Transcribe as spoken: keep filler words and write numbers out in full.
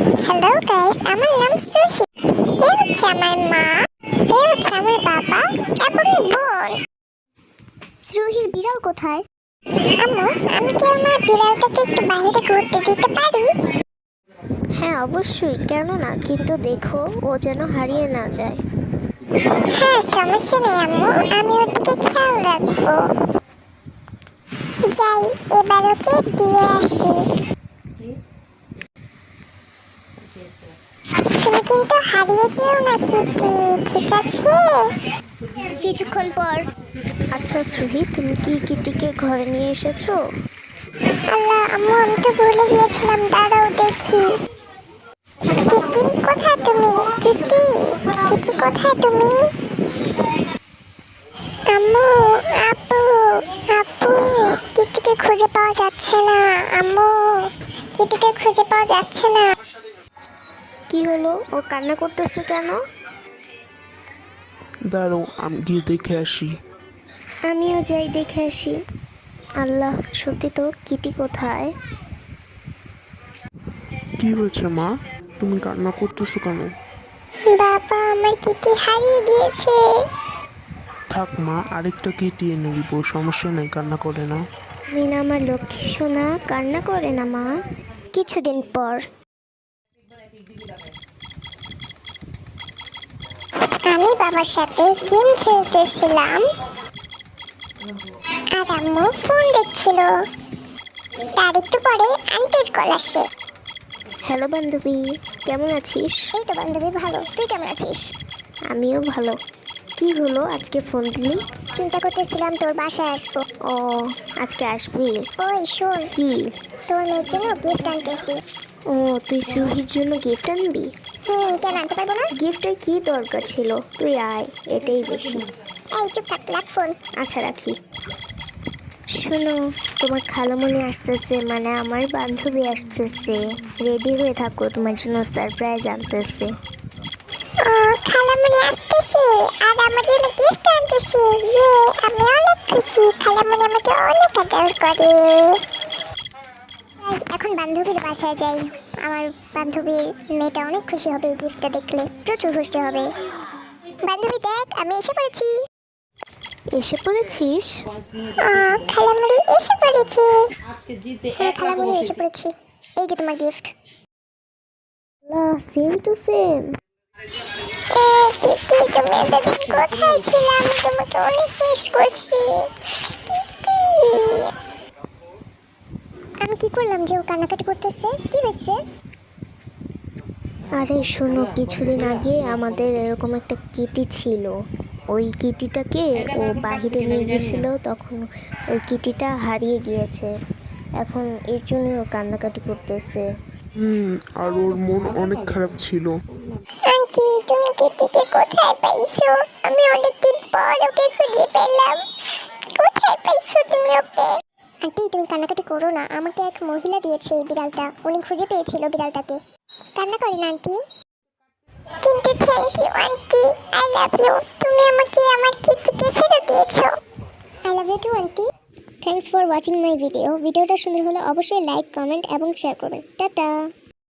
Hello guys, আমার নাম শ্রুহি। এ হচ্ছে আমার মা, এ হচ্ছে আমার বাবা এবং বোন। শ্রুহির বিড়াল কোথায়? আম্মু, আমি কি আমার বিড়ালটাকে একটু বাইরে ঘুরতে দিতে পারি? হ্যাঁ অবশ্যই, কেন না, কিন্তু দেখো ও যেন হারিয়ে না যায়। হ্যাঁ, সমস্যা নেই আম্মু, আমি ওর দিকে খেয়াল রাখবো। যাই, এবার ওকে দিয়ে আসি। তুমি কিন্তু হারিয়ে যেও না কিটি, ঠিক আছে? কিছুক্ষণ পর। আচ্ছা শ্রুহি, তুমি কি কিটিকে ঘরে নিয়ে এসেছো? আল্লাহ আম্মু, আমি তো ভুলে গিয়েছিলাম, দাঁড়াও দেখি। কিটি কোথায় তুমি? কিটি কিটি কোথায় তুমি? আম্মু, আপু, আপু, কিটিকে খুঁজে পাওয়া যাচ্ছে না। আম্মু, কিটিকে খুঁজে পাওয়া যাচ্ছে না। কি হলো, ও কান্না করতেছে কেন? দাঁড়াও, আমি গিয়ে দেখে আসি। আমিও যাই দেখে আসি। আল্লাহ, সত্যি তো, কিটি কোথায়? কি হয়েছে মা, তুমি কান্না করতেছো কেন? বাবা, আমার কিটি হারিয়ে গিয়েছে। থাক মা, আরেকটা কেটে এনে দিব, সমস্যা নেই, কান্না করে না। মিনা আমার লক্ষ্মী সোনা, কান্না করে না মা। কিছুদিন পর। আমি বাবার সাথে গেম খেলতেছিলাম আর আম্মু ফোন দেখছিল। তার একটু পরে আন্টির কল আসে। হ্যালো বান্ধবী, কেমন আছিস? এই তো বান্ধবী, ভালো। তুই কেমন আছিস? আমিও ভালো। কি হলো, আজকে ফোন দিলি? চিন্তা করতেছিলাম তোর বাসায় আসবো। ও, আজকে আসবি? ওই শোন, কি? তোর মেয়ের জন্য গিফট আনতেছি। ও, তুই শ্রুহির জন্য গিফট আনবি? হুম, কেন আনতে পারবো না? গিফটের কি দরকার ছিল, তুই আয়, এটাই বেশি। এই চুপ থাক, রাখ ফোন। আচ্ছা রাখি। শোনো, তোমার খালামণি আসতেছে, মানে আমার বান্ধবী আসতেছে। রেডি হয়ে থাকো, তোমার জন্য সারপ্রাইজ আনতেছে। ও, খালামণি আসতেছে আর আমার জন্য গিফট আনতেছে। ইয়ে, আমি অনেক খুশি। খালামণি আমাকে অনেক আদর করে। এই, এখন বান্ধবীর বাসায় যাই। আমার বান্ধবীর মেয়েটা অনেক খুশি হবে এই গিফটটা দেখলে, প্রচুর খুশি হবে। বান্ধবী দেখ, আমি এসে পড়েছি। এসে পড়েছিস? আহ, খালামণি এসে পড়েছে। হ্যাঁ খালামণি, এসে পড়েছি। এই যে তোমার গিফট। Same to same. এই কিটি, তুমি এতদিন কোথায় ছিলে? আমি তোমাকে অনেক মিস করছি কিটি। আমি কি করলাম যে ও কান্নাকাটি করতেছে? কি হয়েছে? আরে শোনো, কিছুদিন আগে আমাদের এরকম একটা কিটি ছিল। ওই কিটিটাকে ও বাহিরে নিয়ে গিয়েছিল, তখন ওই কিটিটা হারিয়ে গিয়েছে। এখন এর জন্য ও কান্নাকাটি করতেছে। হুম, আর ওর মন অনেক খারাপ ছিল। আন্টি, তুমি কিটিকে কোথায় পাইছো? আমি অনেকদিন পর ওকে খুঁজে পেলাম। কোথায় পাইছো তুমি ওকে? আন্টি, তুমি কান্নাকাটি করো না, আমাকে এক মহিলা দিয়েছে এই বিড়ালটা। উনি খুঁজে পেয়েছিল বিড়ালটাকে। কান্না করেন আন্টি। কিন্তু thank you aunty, I love you. তুমি আমাকে আমার কিটিকে ফেরত দিয়েছো। I love you too aunty. Thanks for watching my video. ভিডিওটা সুন্দর হলে অবশ্যই লাইক, কমেন্ট এবং শেয়ার করবেন। টাটা।